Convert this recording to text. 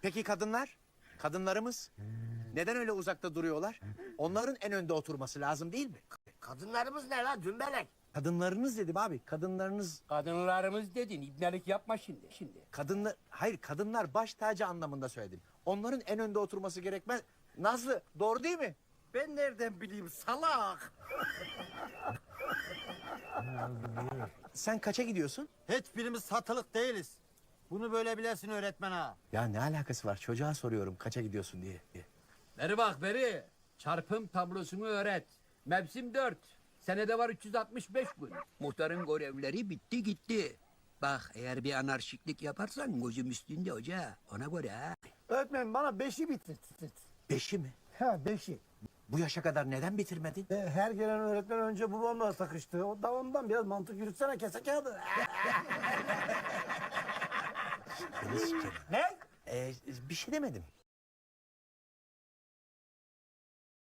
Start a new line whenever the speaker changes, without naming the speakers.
Peki kadınlar? Kadınlarımız? Neden öyle uzakta duruyorlar? Onların en önde oturması lazım değil mi?
Kadınlarımız ne lan dümbelek?
Kadınlarınız dedim abi. Kadınlarınız...
Kadınlarımız dedin, ibnelik yapma şimdi.
Kadınlar... Hayır, kadınlar baş tacı anlamında söyledim. Onların en önde oturması gerekmez. Nazlı, doğru değil mi?
Ben nereden bileyim salak?
Sen kaça gidiyorsun?
Hiçbirimiz satılık değiliz. Bunu böyle bilesin öğretmen ha.
Ya ne alakası var? Çocuğa soruyorum kaça gidiyorsun diye.
Beri bak beri. Çarpım tablosunu öğret. Mevsim 4. Senede var 365 gün. Muhtarın görevleri bitti gitti. Bak eğer bir anarşiklik yaparsan gözüm üstünde hoca. Ona göre ha.
Öğretmen bana 5'i bitir.
5'i mi?
Ha 5'i.
Bu yaşa kadar neden bitirmedin?
Her gelen öğretmen önce babamla takıştı. O da ondan biraz mantık yürütsene kese kağıdı.
Beni sikerim.
Ne?
Bir şey demedim.